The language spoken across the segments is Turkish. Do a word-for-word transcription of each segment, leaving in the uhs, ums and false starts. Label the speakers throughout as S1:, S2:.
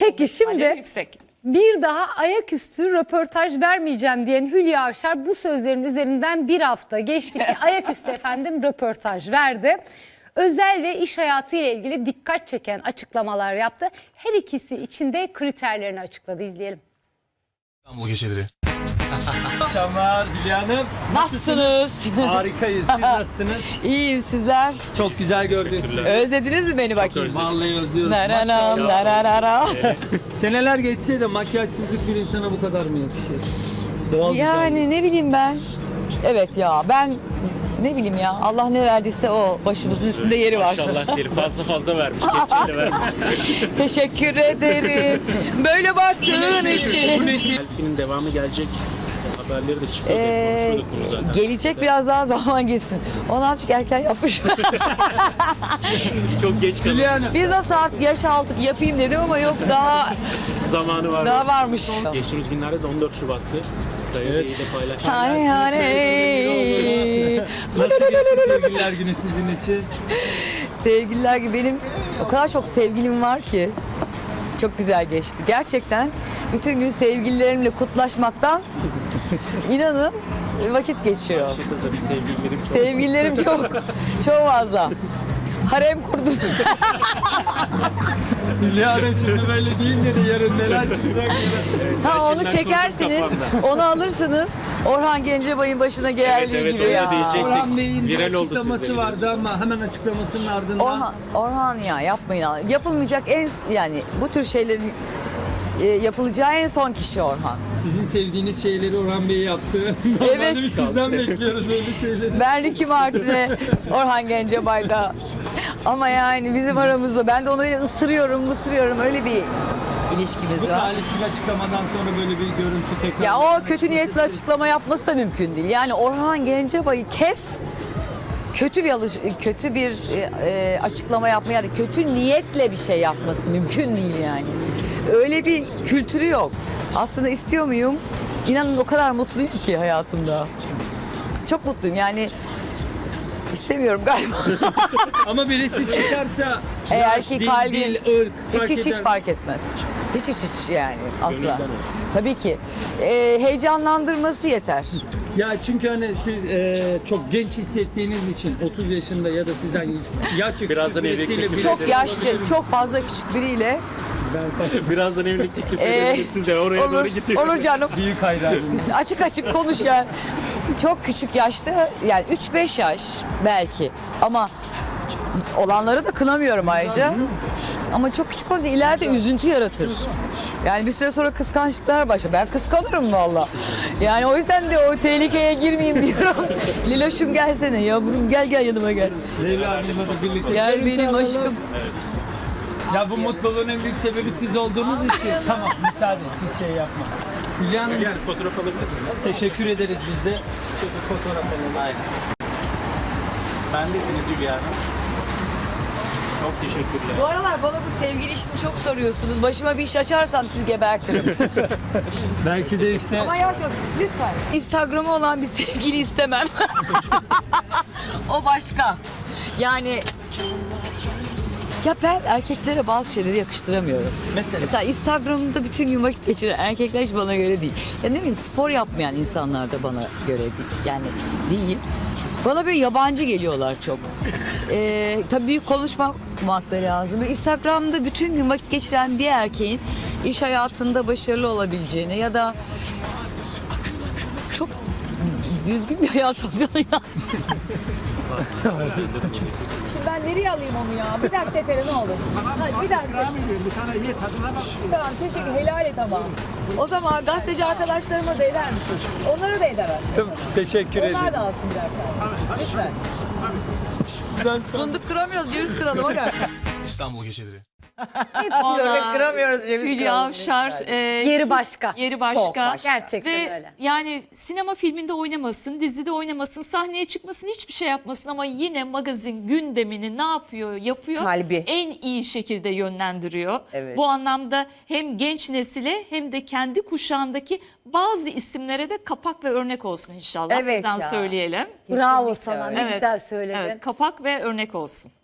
S1: Peki şimdi
S2: Alev yüksek.
S1: bir daha ayaküstü röportaj vermeyeceğim diyen Hülya Avşar bu sözlerin üzerinden bir hafta geçti ki ayaküstü efendim röportaj verdi. Özel ve iş hayatı ile ilgili dikkat çeken açıklamalar yaptı. Her ikisi için de kriterlerini açıkladı. İzleyelim.
S3: İstanbul geceleri.
S4: Akşamlar Hülya Hanım.
S5: Nasılsınız?
S4: Harikayız. Siz nasılsınız?
S5: İyiyim, sizler.
S4: Çok güzel gördük sizi.
S5: Özlediniz mi beni bakayım?
S4: Vallahi özlüyoruz.
S5: Naranam,
S4: Maşallah.
S5: nararara.
S4: Seneler geçse de makyajsızlık bir insana bu kadar mı yakışır? Doğal
S5: Yani ne bileyim ben. Evet ya ben ne bileyim ya Allah ne verdiyse o başımızın üstünde yeri var.
S6: Maşallah diyelim, fazla fazla vermiş, kepçeyle vermiş.
S5: Teşekkür ederim. Böyle baktığın
S4: Bu
S5: için.
S4: neşe.
S6: Elfinin devamı gelecek. Haberleri de çıkıyor.
S5: Ee,
S6: konuşuyorduk bunu zaten.
S5: gelecek biraz daha zaman geçsin. Onu azıcık erken yapmış.
S6: Çok geç kalın.
S4: Hülya Hanım.
S5: Biz nasıl artık yaş aldık yapayım dedim ama yok daha
S6: Zamanı var.
S5: daha varmış.
S6: Geçtiğimiz günlerde de on dört Şubat'tı. Dayı evet. de paylaştık.
S5: Hani hani.
S4: Nasıl geçti sevgililer günü sizin için?
S5: Sevgililer gibi benim o kadar çok sevgilim var ki çok güzel geçti. Gerçekten bütün gün sevgililerimle kutlaşmaktan inanın vakit geçiyor.
S6: Şey tabii sevgililerim çok.
S5: Sevgililerim çok çok fazla. Harem kurdum.
S4: Hülya Hanım şimdi böyle deyince de yarın neler çıkacak?
S5: Ha onu
S6: Şimdiden
S5: çekersiniz,
S6: kurdum
S5: onu alırsınız. Orhan Gencebay'ın başına geldiği
S6: evet,
S5: gibi
S6: öyle
S5: ya.
S6: diyecektik.
S4: Orhan Bey'in
S6: Viral
S4: bir
S6: oldu
S4: açıklaması
S6: sizde.
S4: vardı ama hemen açıklamasının ardından.
S5: Orhan, Orhan ya yapmayın. Allah. Yapılmayacak en yani bu tür şeylerin e, yapılacağı en son kişi Orhan.
S4: Sizin sevdiğiniz şeyleri Orhan Bey yaptı.
S5: Evet.
S4: Normalde biz sizden bekliyoruz öyle şeyleri.
S5: Ben Ricky Martin'e, Orhan Gencebay'da. Ama yani bizim aramızda ben de onu öyle ısırıyorum, ısırıyorum öyle bir ilişkimiz
S4: Bu
S5: var.
S4: talihsiz açıklamadan sonra böyle bir görüntü tekrar.
S5: Ya o kötü niyetli açıklama yapması da mümkün değil. Yani Orhan Gencebay'ı kes, kötü bir alış kötü bir e, e, açıklama yapma yani kötü niyetle bir şey yapması mümkün değil yani. Öyle bir kültürü yok. Aslında istiyor muyum? İnanın o kadar mutluyum ki hayatımda. Çok mutluyum yani. İstemiyorum galiba.
S4: Ama birisi çıkarsa
S5: Eğer
S4: yaş,
S5: ki
S4: dil,
S5: kalbi
S4: dil, ırk
S5: hiç
S4: fark
S5: hiç hiç
S4: eder.
S5: fark etmez. Hiç hiç hiç yani asla.
S6: Gönülden olsun.
S5: Tabii ki. Ee, heyecanlandırması yeter.
S4: Ya çünkü hani siz e, çok genç hissettiğiniz için otuz yaşında ya da sizden yaşça
S6: Birazdan
S4: küçük birisiyle
S6: evlilik
S4: bile-
S5: Çok yaşça, çok fazla küçük biriyle
S6: Birazdan evlilik teklif
S5: Ee,
S6: edebilirim size. Oraya
S5: olur,
S6: doğru gidiyor.
S5: olur canım.
S4: büyük hayranım.
S5: Açık açık konuş ya. Çok küçük yaşta yani üç beş yaş belki ama olanları da kınamıyorum ayrıca. Ama çok küçük olunca ileride üzüntü yaratır. Yani bir süre sonra kıskançlıklar başlar. Ben kıskanırım valla. Yani o yüzden de o tehlikeye girmeyeyim diyorum. Liloş'um gelsene yavrum gel gel yanıma gel.
S4: Leyla Hanım'la da birlikte.
S5: Gel
S4: görüntü
S5: benim
S4: alalım.
S5: aşkım.
S4: Ya bu mutluluğun en büyük sebebi siz olduğunuz için. Tamam müsaade et, hiç şey yapma. Hülya Hanım
S6: Yani fotoğraf alabilir miyim?
S4: teşekkür ederiz biz de.
S6: Fotoğraf alalım. Aynen. Bendesiniz Hülya Hanım. Çok teşekkürler.
S5: Bu aralar bana bu sevgili işini çok soruyorsunuz. Başıma bir iş açarsam sizi gebertirim.
S4: Belki de işte
S5: Ama yavaş yavaş lütfen. Instagram'ı olan bir sevgili istemem. O başka. Yani ya ben erkeklere bazı şeyleri yakıştıramıyorum.
S4: mesela
S5: Mesela Instagram'da bütün gün vakit geçiren erkekler hiç bana göre değil. Ya ne bileyim spor yapmayan insanlar da bana göre değil. Yani değil. Bana böyle yabancı geliyorlar çok. Ee, tabii büyük konuşmak da lazım. Instagram'da bütün gün vakit geçiren bir erkeğin iş hayatında başarılı olabileceğini ya da çok düzgün bir hayat olacağını inanmıyorum. Şimdi ben nereye alayım onu ya? Bir dakika tepele ne olur? Hadi bir dakika. Tamam teşekkür helal et ama. O zaman gazeteci arkadaşlarıma da eder misin? Onlara da eder.
S4: Tamam, teşekkür ederim.
S5: Onlar da alsın birer tane. Lütfen. Fındık kıramıyoruz, ceviz kıralım. Hadi.
S3: İstanbul geceleri.
S5: Fındık kıramıyoruz, ceviz
S2: Hülya Avşar e,
S1: Yeri başka.
S2: yeri başka.
S1: Çok başka. Gerçekten
S2: Ve
S1: öyle.
S2: yani sinema filminde oynamasın, dizide oynamasın, sahneye çıkmasın, hiçbir şey yapmasın ama yine magazin gündemini ne yapıyor, yapıyor?
S7: Kalbi.
S2: En iyi şekilde yönlendiriyor.
S7: Evet.
S2: Bu anlamda hem genç nesile hem de kendi kuşağındaki bazı isimlere de kapak ve örnek olsun inşallah.
S7: Evet
S2: Bizden
S7: ya.
S2: söyleyelim.
S1: Bravo
S7: Kesinlikle
S1: sana
S7: öyle.
S1: ne güzel söyledin.
S2: Evet, kapak ve örnek olsun.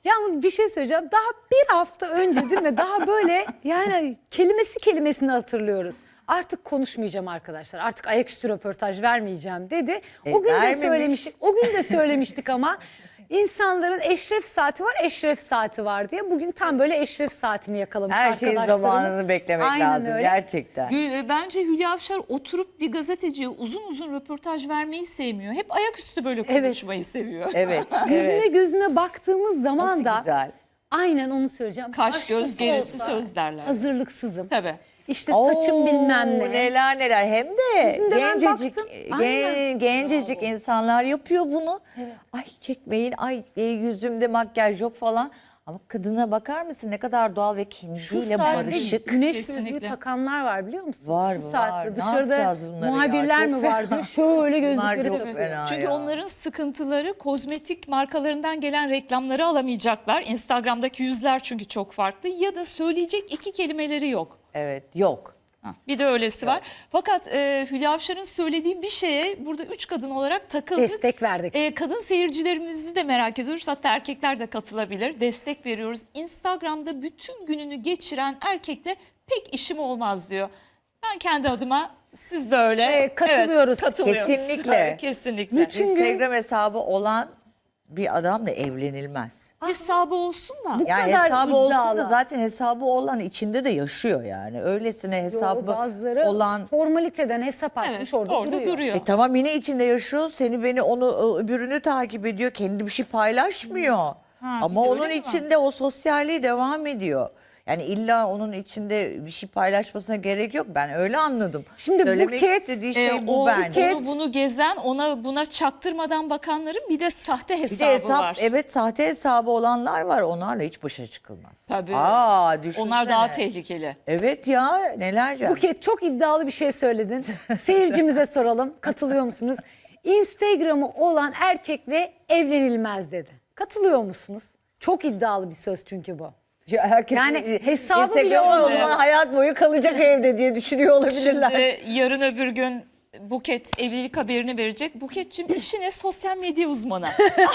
S1: Yalnız bir şey söyleyeceğim. Daha bir hafta önce değil mi? Daha böyle yani kelimesi kelimesini hatırlıyoruz. Artık konuşmayacağım arkadaşlar. Artık ayaküstü röportaj vermeyeceğim dedi.
S7: E,
S1: o gün de
S7: vermemiş.
S1: söylemiştik. O gün de söylemiştik ama insanların eşref saati var, eşref saati var diye. Bugün tam böyle eşref saatini yakalamış
S7: Her şeyin
S1: arkadaşlarımız.
S7: zamanını beklemek
S1: Aynen
S7: lazım
S1: öyle.
S7: gerçekten.
S2: Gül- e, Bence Hülya Avşar oturup bir gazeteciye uzun uzun röportaj vermeyi sevmiyor. Hep ayaküstü böyle
S1: Evet.
S2: konuşmayı seviyor.
S7: Evet,
S1: Gözüne
S7: evet.
S1: gözüne baktığımız zaman
S7: Nasıl
S1: da
S7: güzel.
S1: aynen onu söyleyeceğim.
S2: Kaş
S1: Başkası
S2: göz gerisi
S1: olsa
S2: söz derler.
S1: Hazırlıksızım.
S2: Tabii.
S1: İşte saçım
S7: Oo,
S1: bilmem ne.
S7: Neler neler hem de
S1: Bizim de ben
S7: gencecik
S1: baktım.
S7: gen-
S1: Aynen.
S7: gencecik insanlar yapıyor bunu. Ay çekmeyin, ay e, yüzümde makyaj yok falan. Ama kadına bakar mısın ne kadar doğal ve
S1: Şu
S7: kendiyle
S1: saatte
S7: barışık.
S1: güneş
S2: Kesinlikle.
S1: gözlüğü takanlar var biliyor musun?
S7: Var,
S1: Şu
S7: var.
S1: saatte
S7: Ne
S1: dışarıda
S7: yapacağız bunları ya?
S1: muhabirler
S7: Çok
S1: mi
S7: fena.
S1: var diyor. Şöyle
S7: Bunlar
S1: gözlükleri
S7: çok
S1: takıyor.
S7: fena
S2: Çünkü
S7: ya.
S2: onların sıkıntıları kozmetik markalarından gelen reklamları alamayacaklar. Instagram'daki yüzler çünkü çok farklı ya da söyleyecek iki kelimeleri yok.
S7: Evet, yok.
S2: Ha, bir de öylesi var. Fakat e, Hülya Avşar'ın söylediği bir şeye burada üç kadın olarak takıldık.
S1: Destek verdik.
S2: E, kadın seyircilerimizi de merak ediyoruz. Hatta erkekler de katılabilir. Destek veriyoruz. Instagram'da bütün gününü geçiren erkekle pek işim olmaz diyor. Ben kendi adıma siz de öyle.
S1: E, katılıyoruz.
S2: Evet, katılıyoruz.
S7: Kesinlikle.
S2: Evet, kesinlikle.
S1: Bütün gün-
S7: Instagram hesabı olan bir adamla evlenilmez.
S2: Hesabı olsun da.
S1: Bu
S7: Yani
S1: kadar
S7: hesabı olsun
S1: iddialı.
S7: da zaten hesabı olan içinde de yaşıyor yani. Öylesine
S1: Yo,
S7: hesabı
S1: bazıları
S7: olan...
S1: formaliteden hesap açmış
S2: Evet,
S1: orada,
S2: orada
S1: duruyor.
S2: duruyor.
S7: E tamam yine içinde yaşıyor. Seni beni onu öbürünü takip ediyor. Kendi bir şey paylaşmıyor. Ama
S2: bir de
S7: onun
S2: öyle mi var?
S7: içinde o sosyalliği devam ediyor. Yani illa onun içinde bir şey paylaşmasına gerek yok. Ben öyle anladım.
S1: Şimdi
S7: Söylemek
S1: Buket,
S7: istediği şey
S2: E,
S7: bu
S2: o,
S7: bence.
S2: Onu bunu gezen, ona buna çaktırmadan bakanların bir de sahte hesabı
S7: Bir de hesap,
S2: var.
S7: evet sahte hesabı olanlar var. Onlarla hiç başa çıkılmaz.
S2: Tabii.
S7: Aa, düşünsene.
S2: Onlar daha tehlikeli.
S7: Evet ya neler
S1: Buket çok iddialı bir şey söyledin. Seyircimize soralım. Katılıyor musunuz? Instagram'ı olan erkekle evlenilmez dedi. Katılıyor musunuz? Çok iddialı bir söz çünkü bu.
S7: Ya herkes
S1: Yani hesabı bile
S7: Instagram'ı
S1: olmuyor.
S7: olan hayat boyu kalacak evde diye düşünüyor olabilirler.
S2: Şimdi yarın öbür gün Buket evlilik haberini verecek. Buket'cim işine sosyal medya uzmanı.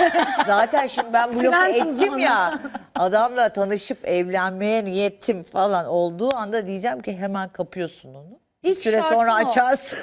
S7: Zaten şimdi ben bu lafı
S1: Trend
S7: ettim
S1: uzmanı.
S7: ya. Adamla tanışıp evlenmeye niyetim falan olduğu anda diyeceğim ki hemen kapıyorsun onu. Bir
S1: İlk
S7: süre
S1: şartın
S7: sonra
S1: o.
S7: açarsın.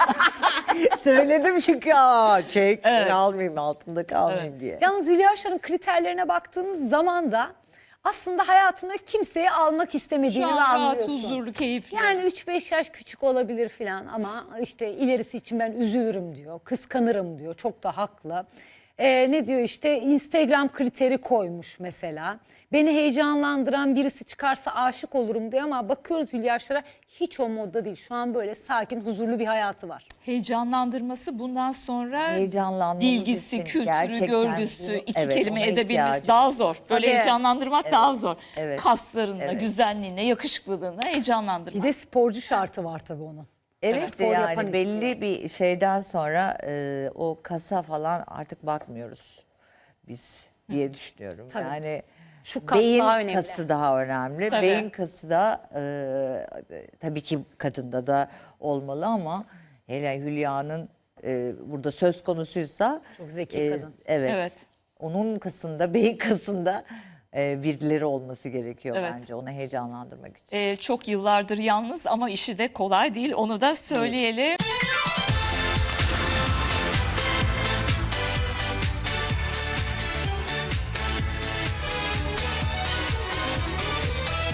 S7: Söyledim çünkü aa çek ben almayayım altında kalmayayım diye.
S1: Yalnız Hülya Avşar'ın kriterlerine baktığınız zaman da aslında hayatına kimseyi almak
S2: Şu
S1: istemediğini
S2: an
S1: de
S2: rahat,
S1: anlıyorsun.
S2: huzurlu, keyifli.
S1: Yani üç beş yaş küçük olabilir filan ama işte ilerisi için ben üzülürüm diyor, kıskanırım diyor. Çok da haklı. Ee, ne diyor işte Instagram kriteri koymuş mesela. Beni heyecanlandıran birisi çıkarsa aşık olurum diyor ama bakıyoruz Hülya Avşar'a hiç o modda değil. Şu an böyle sakin, huzurlu bir hayatı var.
S2: Heyecanlandırması bundan sonra
S7: Heyecanlanmamız
S2: bilgisi,
S7: için
S2: kültürü,
S7: gerçekten
S2: görgüsü,
S7: bunu-
S2: iki
S7: evet,
S2: kelime
S7: ona
S2: edebilmesi
S7: ihtiyacımız
S2: daha zor. Böyle
S1: Tabii.
S2: heyecanlandırmak daha zor.
S7: evet,
S2: Kaslarına,
S7: evet.
S2: güzelliğine, yakışıklılığına heyecanlandırmak.
S1: Bir de sporcu şartı var tabii onun.
S7: Evet de
S1: Spor yapan
S7: yani belli
S1: istiyor.
S7: bir şeyden sonra e, o kasa falan artık bakmıyoruz biz diye düşünüyorum.
S1: Tabii.
S7: Yani
S1: Şu kas
S7: beyin
S1: daha önemli.
S7: kası daha önemli.
S2: Tabii.
S7: Beyin kası da e, tabii ki kadında da olmalı ama hele Hülya'nın e, burada söz konusuysa
S1: Çok zeki kadın.
S7: Evet.
S2: Evet.
S7: Onun kasında, beyin kasında e, birileri olması gerekiyor
S2: Evet.
S7: bence onu heyecanlandırmak için.
S2: Ee, çok yıllardır yalnız ama işi de kolay değil. Onu da söyleyelim.